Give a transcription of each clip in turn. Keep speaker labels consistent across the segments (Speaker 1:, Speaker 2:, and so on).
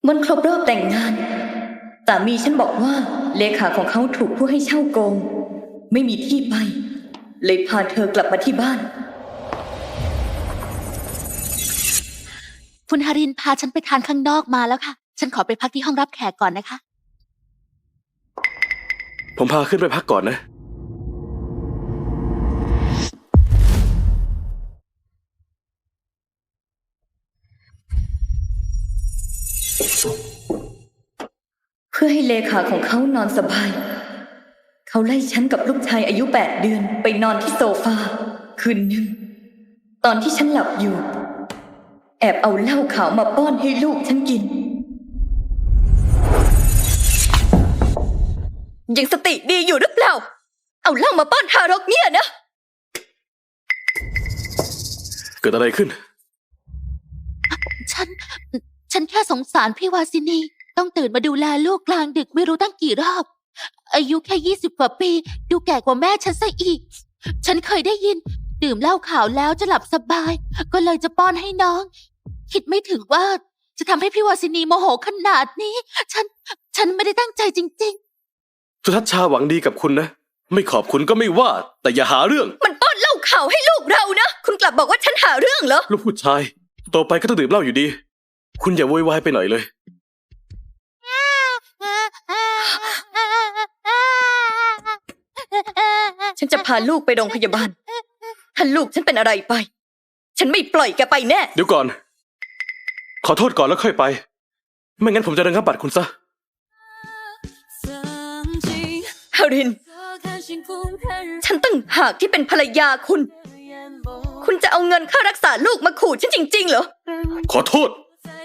Speaker 1: วันครบรอบแต่งงานสามีฉันบอกว่าเลขาของเขาถูกผู้ให้เช่าโกงไม่มีที่ไปเลยพาเธอกลับมาที่บ้าน
Speaker 2: คุณฮารินพาฉันไปทานข้างนอกมาแล้วค่ะฉันขอไปพักที่ห้องรับแขกก่อนนะคะ
Speaker 3: ผมพาขึ้นไปพักก่อนนะ
Speaker 1: เพื่อให้เลขาของเขานอนสบายเขาไล่ฉันกับลูกชายอายุ8 เดือนไปนอนที่โซฟาคืนหนึ่งตอนที่ฉันหลับอยู่แอบเอาเหล้าขาวมาป้อนให้ลูกฉันกินยังสติดีอยู่หรือเปล่าเอาเหล้ามาป้อนทารกเนี่ยนะ
Speaker 3: เกิดอะไรขึ้น
Speaker 2: ฉันแค่สงสารพี่วาสินีต้องตื่นมาดูแลลูกกลางดึกไม่รู้ตั้งกี่รอบอายุแค่20 กว่าปีดูแก่กว่าแม่ฉันซะอีกฉันเคยได้ยินดื่มเหล้าขาวแล้วจะหลับสบายก็เลยจะป้อนให้น้องคิดไม่ถึงว่าจะทำให้พี่วาสินีโมโหขนาดนี้ฉันไม่ได้ตั้งใจจริง
Speaker 3: สุทัศน์ชาหวังดีกับคุณนะไม่ขอบคุณก็ไม่ว่าแต่อย่าหาเรื่อง
Speaker 1: มันป้อนเหล้าขาวให้ลูกเรานะคุณกลับบอกว่าฉันหาเรื่องเหรอ
Speaker 3: ลูกผู้ชายโตไปก็ต้องดื่มเหล้าอยู่ดีคุณอย่าโวยวายไปหน่อยเลย
Speaker 1: ฉันจะพาลูกไปโรงพยาบาลถ้าลูกฉันเป็นอะไรไปฉันไม่ปล่อยแกไปแน่
Speaker 3: เดี๋ยวก่อนขอโทษก่อนแล้วค่อยไปไม่งั้นผมจะระงับบัตรคุณซะ
Speaker 1: ฮารินฉันตั้งหากที่เป็นภรรยาคุณจะเอาเงินค่ารักษาลูกมาขู่ฉันจริงๆเหรอ
Speaker 3: ขอโทษ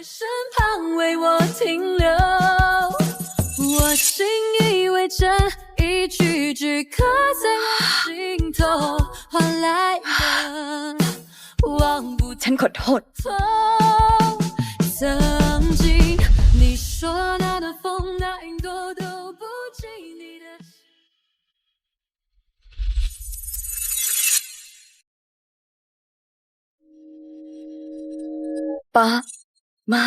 Speaker 1: ฉันขอโทษป้ามา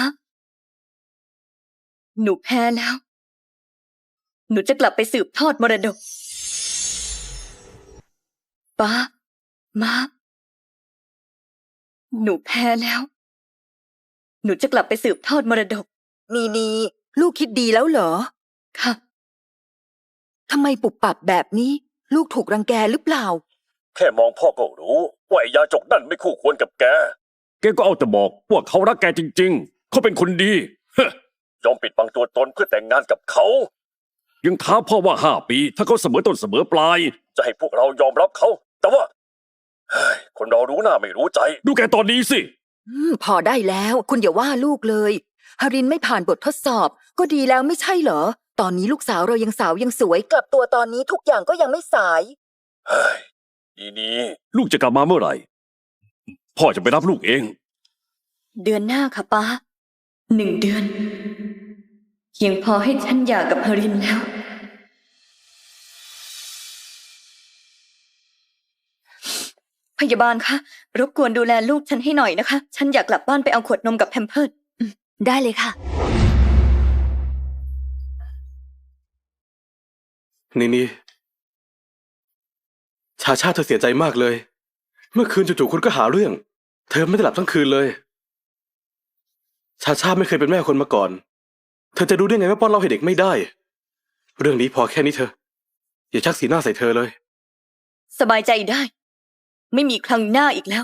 Speaker 1: หนูแพ้แล้วหนูจะกลับไปสืบทอดมรดกป้ามาหนูแพ้แล้วหนูจะกลับไปสืบทอดมรดก
Speaker 4: นีลูกคิดดีแล้วเหรอ
Speaker 1: ค่ะ
Speaker 4: ทำไมปุบปับแบบนี้ลูกถูกรังแกหรือเปล่า
Speaker 5: แค่มองพ่อก็รู้ว่าไอ้ยาจกนั่นไม่คู่ควรกับแก
Speaker 6: ก็เอาแต่บอกว่าเขารักแกจริงๆเขาเป็นคนดี
Speaker 5: ยอมปิดบังตัวตนเพื่อแต่งงานกับเขา
Speaker 6: ยังท้าพ่อว่า5 ปีถ้าเขาเสมอต้นเสมอปลาย
Speaker 5: จะให้พวกเรายอมรับเขาแต่ว่าคนเรารู้หน้าไม่รู้ใจ
Speaker 6: ดูแกตอนนี้สิ
Speaker 4: พอได้แล้วคุณอย่าว่าลูกเลยฮารินไม่ผ่านบททดสอบก็ดีแล้วไม่ใช่เหรอตอนนี้ลูกสาวเรายังสาวยังสวยกลับตัวตอนนี้ทุกอย่างก็ยังไม่สาย
Speaker 5: นี่
Speaker 6: ลูกจะกลับมาเมื่อไหร่พ่อจะไปรับลูกเอง
Speaker 1: เดือนหน้าค่ะป้า1 เดือนเพียงพอให้ฉันหย่ากับฮารินแล้วพยาบาลคะรบกวนดูแลลูกฉันให้หน่อยนะคะฉันอยากกลับบ้านไปเอาขวดนมกับแพมเพิร์ส
Speaker 2: ได้เลยค่ะ
Speaker 3: นี่ชาเธอเสียใจมากเลยเมื่อคืนจู่ๆคุณก็หาเรื่องเธอไม่ได้หลับทั้งคืนเลยชาไม่เคยเป็นแม่คนมาก่อนเธอจะรู้ได้ไงว่าป้อนเหล้าให้เด็กไม่ได้เรื่องนี้พอแค่นี้เธออย่าชักสีหน้าใส่เธอเลย
Speaker 1: สบายใจได้ไม่มีครั้งหน้าอีกแล้ว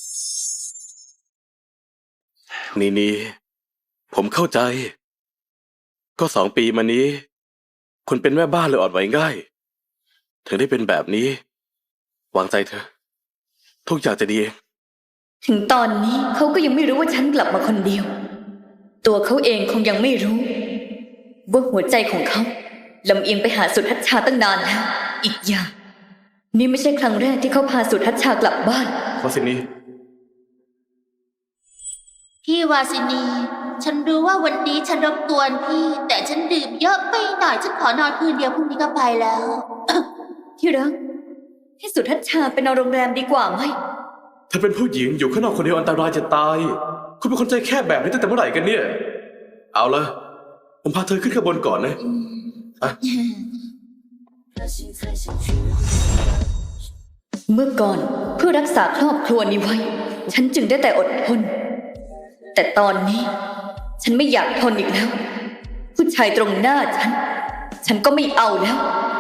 Speaker 3: นี่ผมเข้าใจก็2 ปีมานี้คุณเป็นแม่บ้านเลยอ่อนไหวง่ายถึงได้เป็นแบบนี้วางใจเธอทุกอย่างจะดีเอง
Speaker 1: ถึงตอนนี้เขาก็ยังไม่รู้ว่าฉันกลับมาคนเดียวตัวเขาเองคงยังไม่รู้ว่าหัวใจของเขาลำเอียงไปหาสุทัศน์ชาตั้งนานแล้วอีกอย่างนี่ไม่ใช่ครั้งแรกที่เขาพาสุทัศน์ชากลับบ้าน
Speaker 3: วาสินี
Speaker 2: พี่วาสินีฉันรู้ว่าวันนี้ฉันรบกวนพี่แต่ฉันดื่มเยอะไปหน่อยฉันขอนอนคืนเดียวพรุ่งนี้ก็ไปแล้ว
Speaker 1: ที่รักให้สุทัศน์ชาไปนอนโรงแรมดีกว่าไหม
Speaker 3: เธอเป็นผู้หญิงอยู่ข้างนอกคนเดียวอันตรายจะตายคุณเป็นคนใจแคบแบบนี้ตั้งแต่เมื่อไหร่กันเนี่ยเอาละผมพาเธอขึ้นข้างบนก่อนนะอ่ะ
Speaker 1: เมื่อก่อนเพื่อรักษาครอบครัวนี้ไว้ ฉันจึงได้แต่อดทน แต่ตอนนี้ ฉันไม่อยากทนอีกแล้ว ผู้ชายตรงหน้าฉันก็ไม่เอาแล้ว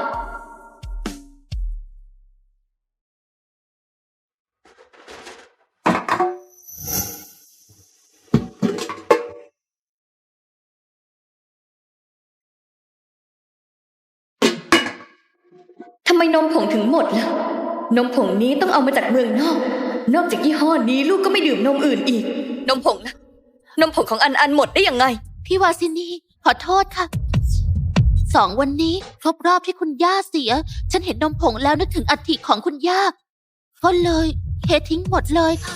Speaker 1: ทำไมนมผงถึงหมดล่ะ นมผงนี้ต้องเอามาจากเมืองนอก นอกจากยี่ห้อนี้ลูกก็ไม่ดื่มนมอื่นอีก นมผงนะ นมผงของอันหมดได้ยังไง
Speaker 2: พี่วาสินีขอโทษค่ะ 2 วันนี้ครบรอบที่คุณย่าเสีย ฉันเห็นนมผงแล้วนึกถึงอัฐิของคุณย่า ก็เลยเททิ้งหมดเลยค่ะ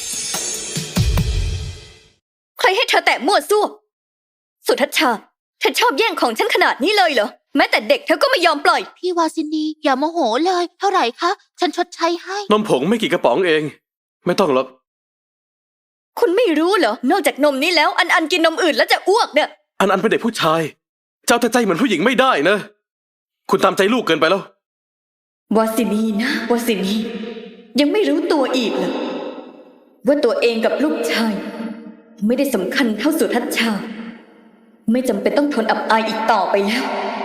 Speaker 1: ใครให้เธอแตะมั่วซั่ว สุทัศน์ชา เธอชอบแย่งของฉันขนาดนี้เลยเหรอ แม้แต่เด็กเธอก็ไม่ยอมปล่อย
Speaker 2: พี่วาสินีอย่าโมโหเลย เท่าไหร่คะ ฉันชดใช้ให้
Speaker 3: นมผงไม่กี่กระป๋องเอง ไม่ต้องหรอก
Speaker 1: คุณไม่รู้เหรอ นอกจากนมนี้แล้วอันกินนมอื่นแล้วจะอ้วกเนี่ย
Speaker 3: อันเป็นเด็กผู้ชาย เจ้าแต่ใจเหมือนผู้หญิงไม่ได้นะ คุณตามใจลูกเกินไปแล้ว
Speaker 1: วาสินีนะวาสินี ยังไม่รู้ตัวอีกเหรอว่าตัวเองกับลูกชาย ไม่ได้สำคัญเท่าสุทัศน์ชา ไม่จำเป็นต้องทนอับอายอีกต่อไปแล้ว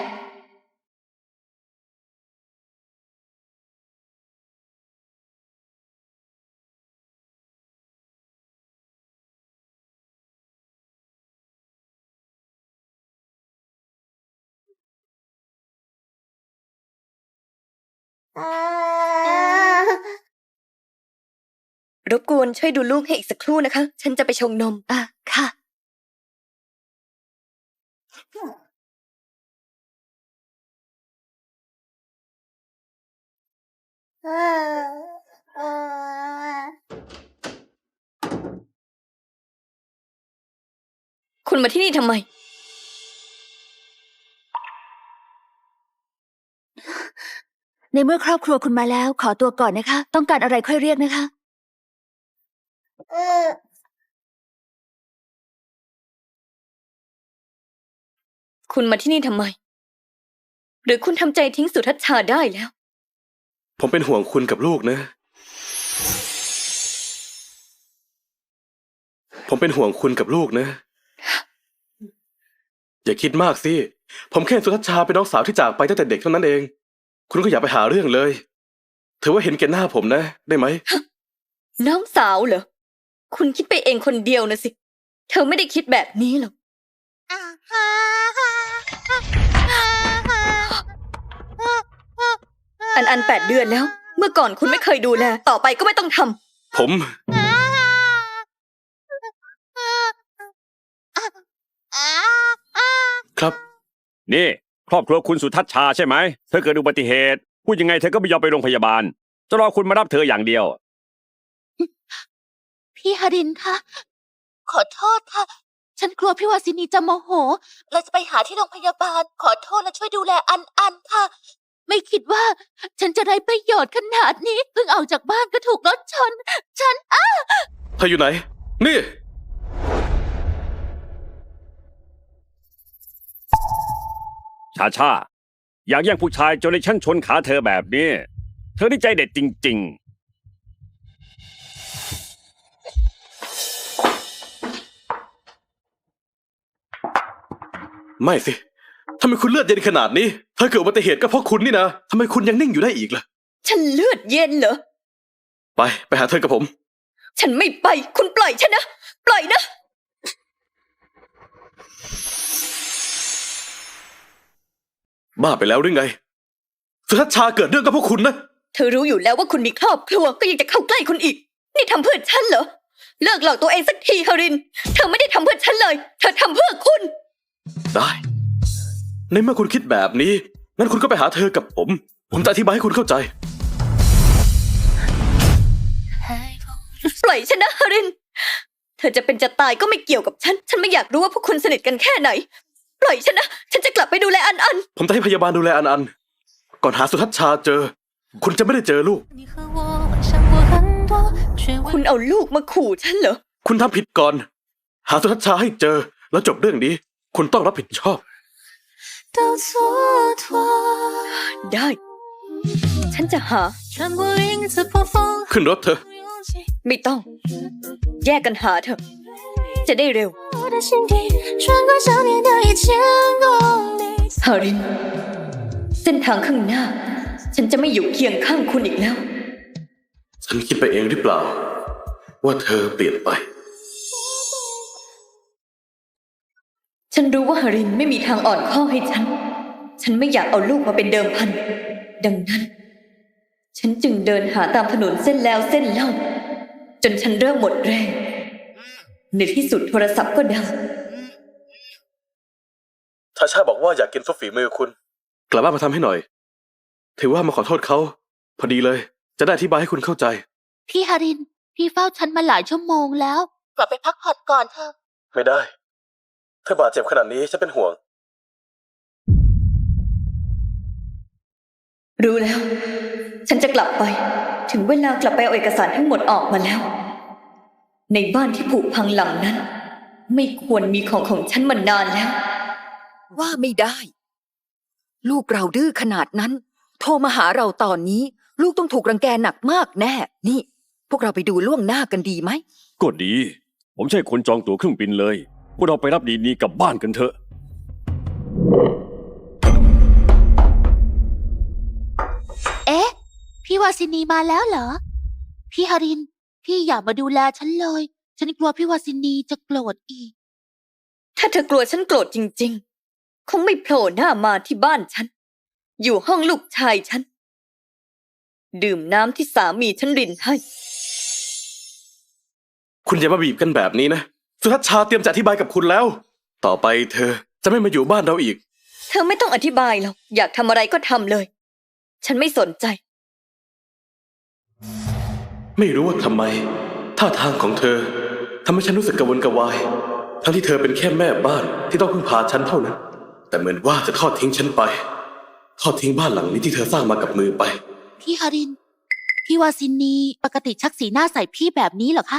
Speaker 1: รบกวนช่วยดูลูกให้อีกสักครู่นะคะ ฉันจะไปชงนม
Speaker 2: ค่ะ
Speaker 1: คุณมาที่นี่ทำไม
Speaker 2: ในเมื่อครอบครัวคุณมาแล้ว ขอตัวก่อนนะคะ ต้องการอะไรค่อยเรียกนะคะ
Speaker 1: คุณมาที่นี่ทำไม หรือคุณทำใจทิ้งสุทัศน์ชาได้แล้ว
Speaker 3: ผมเป็นห่วงคุณกับลูกนะ ผมเป็นห่วงคุณกับลูกนะ อย่าคิดมากสิ ผมแค่สุทัศน์ชาเป็นน้องสาวที่จากไปตั้งแต่เด็กเท่านั้นเอง คุณก็อย่าไปหาเรื่องเลย ถือว่าเห็นแก่หน้าผมนะ ได้ไหม
Speaker 1: น้องสาวเหรอ คุณคิดไปเองคนเดียวนะสิ เธอไม่ได้คิดแบบนี้หรอก อัน8 เดือนแล้ว เมื่อก่อนคุณไม่เคยดูแล ต่อไปก็ไม่ต้องทำ
Speaker 3: ผม ครับ
Speaker 6: นี่ ครอบครัวคุณสุทัศน์ชาใช่ไหม เธอเกิดอุบัติเหตุพูดยังไงเธอก็ไม่ยอมไปโรงพยาบาล จะรอคุณมารับเธออย่างเดียว
Speaker 2: พี่ฮารินคะ ขอโทษค่ะ ฉันกลัวพี่วาสินีจะโมโหเราจะไปหาที่โรงพยาบาล ขอโทษและช่วยดูแลอันค่ะ ไม่คิดว่า ฉันจะได้ประโยชน์ขนาดนี้เพิ่งออกจากบ้านก็ถูกรถชน ฉัน
Speaker 3: เธออยู่ไหน นี่
Speaker 6: ชา อยากแย่งผู้ชายจนในชั้นชนขาเธอแบบนี้ เธอนี่ใจเด็ดจริง
Speaker 3: ไม่สิทำไมคุณเลือดเย็นขนาดนี้ ถ้าเกิดอุบัติเหตุก็เพราะคุณนี่นะทำไมคุณยังนิ่งอยู่ได้อีกล่ะ
Speaker 1: ฉันเลือดเย็นเหรอ
Speaker 3: ไปหาเธอกับผม
Speaker 1: ฉันไม่ไป คุณปล่อยฉันนะ ปล่อยนะ
Speaker 3: บ้าไปแล้วหรือไง สุทัศน์ชาเกิดเรื่องกับพวกคุณนะ
Speaker 1: เธอรู้อยู่แล้วว่าคุณมีครอบครัวก็ยังจะเข้าใกล้คุณอีก นี่ทำเพื่อฉันเหรอ เลิกหลอกตัวเองสักทีฮาริน เธอไม่ได้ทำเพื่อฉันเลย เธอทำเพื่อคุณ
Speaker 3: ได้ ในเมื่อคุณคิดแบบนี้ งั้นคุณก็ไปหาเธอกับผม ผมจะอธิบายให้คุณเข้าใจ
Speaker 1: ปล่อยฉันนะฮาริน เธอจะเป็นจะตายก็ไม่เกี่ยวกับฉัน ฉันไม่อยากรู้ว่าพวกคุณสนิทกันแค่ไหน ปล่อยฉันนะ ฉันจะกลับไปดูแลอัน
Speaker 3: ผมจะให้พยาบาลดูแลอัน ก่อนหาสุทัศน์ชาเจอ คุณจะไม่ได้เจอลูก
Speaker 1: คุณเอาลูกมาขู่ฉันเหรอ
Speaker 3: คุณทำผิดก่อน หาสุทัศน์ชาให้เจอแล้วจบเรื่องนี้ คุณต้องรับผิดชอบ
Speaker 2: 都蹉跎。
Speaker 1: ได้ ฉันจะหา
Speaker 2: 穿过林子破风，
Speaker 3: ขึ้นรถเถอะ
Speaker 2: 有勇气，
Speaker 1: ไม่ต้อง แยกกันหาเถอะ จะได้เร็ว
Speaker 2: 我的心底穿过想念的1000公里。
Speaker 1: ฮาริน เส้นทางข้างหน้า ฉันจะไม่อยู่เคียงข้างคุณอีกแล้ว
Speaker 3: ฉันคิดไปเองหรือเปล่า ว่าเธอเปลี่ยนไป
Speaker 1: ฉันรู้ว่าฮารินไม่มีทางอ่อนข้อให้ฉัน ฉันไม่อยากเอาลูกมาเป็นเดิมพัน ดังนั้น ฉันจึงเดินหาตามถนนเส้นแล้วเส้นเล่า จนฉันเริ่มหมดแรง ในที่สุดโทรศัพท์ก็ดัง
Speaker 5: ทาชาบอกว่าอยากกินซุปฝีมือคุณ
Speaker 3: กลับบ้านมาทำให้หน่อย ถือว่ามาขอโทษเขา พอดีเลย จะได้อธิบายให้คุณเข้าใจ
Speaker 2: พี่ฮาริน พี่เฝ้าฉันมาหลายชั่วโมงแล้ว กลับไปพักผ่อนก่อนเถอะ
Speaker 5: ไม่ได้ เธอบาดเจ็บขนาดนี้ฉันเป็นห่วง
Speaker 1: รู้แล้ว ฉันจะกลับไป ถึงเวลากลับไปเอาเอกสารทั้งหมดออกมาแล้ว ในบ้านที่ผุพังหลังนั้น ไม่ควรมีของฉันมานานแล้ว
Speaker 4: ว่าไม่ได้ ลูกเราดื้อขนาดนั้น โทรมาหาเราตอนนี้ ลูกต้องถูกรังแกหนักมากแน่ นี่ พวกเราไปดูล่วงหน้ากันดีไหม
Speaker 6: ก็ดี ผมใช่คนจองตั๋วเครื่องบินเลย พวกเราไปรับดีนี้กลับบ้านกันเถอะ
Speaker 2: เอ๊ะ พี่วาสินีมาแล้วเหรอ พี่ฮาริน พี่อย่ามาดูแลฉันเลย ฉันกลัวพี่วาสินีจะโกรธอีก
Speaker 1: ถ้าเธอกลัวฉันโกรธจริงๆ คงไม่โผล่หน้ามาที่บ้านฉัน อยู่ห้องลูกชายฉัน ดื่มน้ำที่สามีฉันรินให้
Speaker 3: คุณอย่ามาบีบกันแบบนี้นะ สุทัศน์ชาเตรียมจะอธิบายกับคุณแล้ว ต่อไปเธอจะไม่มาอยู่บ้านเราอีก
Speaker 1: เธอไม่ต้องอธิบายหรอก อยากทำอะไรก็ทำเลย ฉันไม่สนใจ
Speaker 3: ไม่รู้ว่าทำไม ท่าทางของเธอทำให้ฉันรู้สึกกระวนกระวาย ทั้งที่เธอเป็นแค่แม่บ้านที่ต้องพึ่งพาฉันเท่านั้น แต่เหมือนว่าจะทอดทิ้งฉันไป ทอดทิ้งบ้านหลังนี้ที่เธอสร้างมากับมือไป
Speaker 2: พี่ฮาริน พี่วาสินีปกติชักสีหน้าใส่พี่แบบนี้เหรอคะ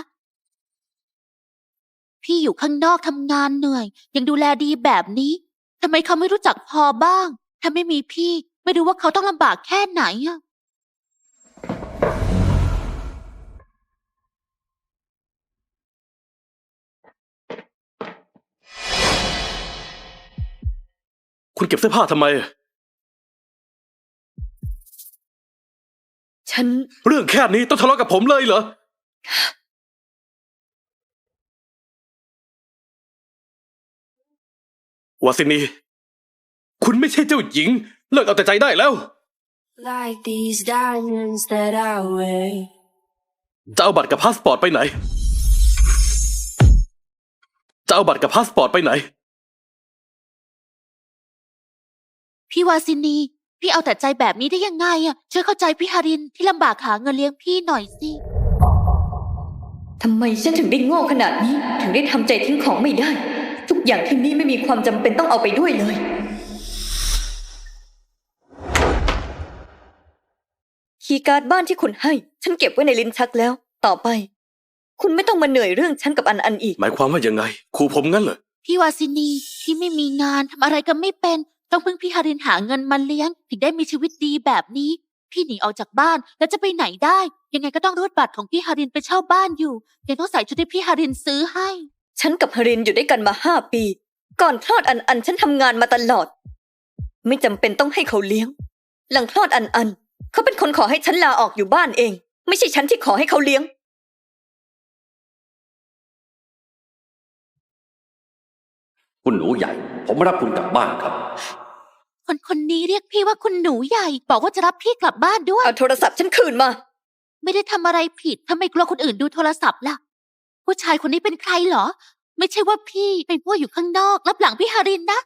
Speaker 2: พี่อยู่ข้างนอกทำงานเหนื่อย ยังดูแลดีแบบนี้ทำไมเขาไม่รู้จักพอบ้าง ถ้าไม่มีพี่ไม่รู้ว่าเขาต้องลำบากแค่ไหนอะ
Speaker 3: คุณเก็บเสื้อผ้าทำไม
Speaker 1: ฉัน
Speaker 3: เรื่องแค่นี้ต้องทะเลาะกับผมเลยเหรอ วาสินี คุณไม่ใช่เจ้าหญิง เลิกเอาแต่ใจได้แล้ว
Speaker 7: Like these diamonds that I wear.
Speaker 3: จะเอาบัตรกับพาสปอร์ตไปไหน จะเอาบัตรกับพาสปอร์ตไปไหน
Speaker 2: พี่วาสินี พี่เอาแต่ใจแบบนี้ได้ยังไงอะช่วยเข้าใจพี่ฮารินที่ลำบากหาเงินเลี้ยงพี่หน่อยสิ
Speaker 1: ทำไมฉันถึงได้โง่ขนาดนี้ ถึงได้ทำใจทิ้งของไม่ได้ ทุกอย่างที่นี่ไม่มีความจำเป็นต้องเอาไปด้วยเลย คีย์การ์ดบ้านที่คุณให้ ฉันเก็บไว้ในลิ้นชักแล้ว ต่อไป คุณไม่ต้องมาเหนื่อยเรื่องฉันกับอันอีก
Speaker 3: หมายความว่ายังไงขู่ผมงั้นเหรอ
Speaker 2: พี่วาสินีที่ไม่มีงานทำอะไรก็ไม่เป็น ต้องพึ่งพี่ฮารินหาเงินมาเลี้ยง ถึงได้มีชีวิตดีแบบนี้ พี่หนีออกจากบ้านแล้วจะไปไหนได้ ยังไงก็ต้องรูดบัตรของพี่ฮารินไปเช่าบ้านอยู่ยังต้องใส่ชุดที่พี่ฮารินซื้อให้
Speaker 1: ฉันกับฮารินอยู่ด้วยกันมา5 ปี ก่อนคลอดอันฉันทำงานมาตลอด ไม่จำเป็นต้องให้เขาเลี้ยง หลังคลอดอันเขาเป็นคนขอให้ฉันลาออกอยู่บ้านเอง ไม่ใช่ฉันที่ขอให้เขาเลี้ยง
Speaker 6: คุณหนูใหญ่ ผมรับคุณกลับบ้านครับ
Speaker 2: คนนี้เรียกพี่ว่าคุณหนูใหญ่ บอกว่าจะรับพี่กลับบ้านด้วย
Speaker 1: เอาโทรศัพท์ฉันคืนมา
Speaker 2: ไม่ได้ทำอะไรผิดทำไมกลัวคนอื่นดูโทรศัพท์ล่ะ ผู้ชายคนนี้เป็นใครเหรอ ไม่ใช่ว่าพี่เป็นผู้อยู่ข้างนอกรับหลังพี่ฮารินนะ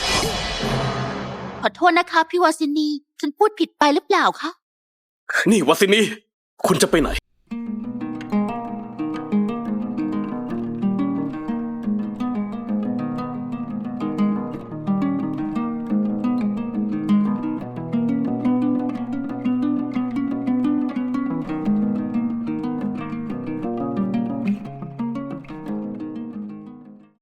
Speaker 2: ขอโทษนะคะพี่วาสินี ฉันพูดผิดไปหรือเปล่าคะ
Speaker 3: นี่วาสินี คุณจะไปไหน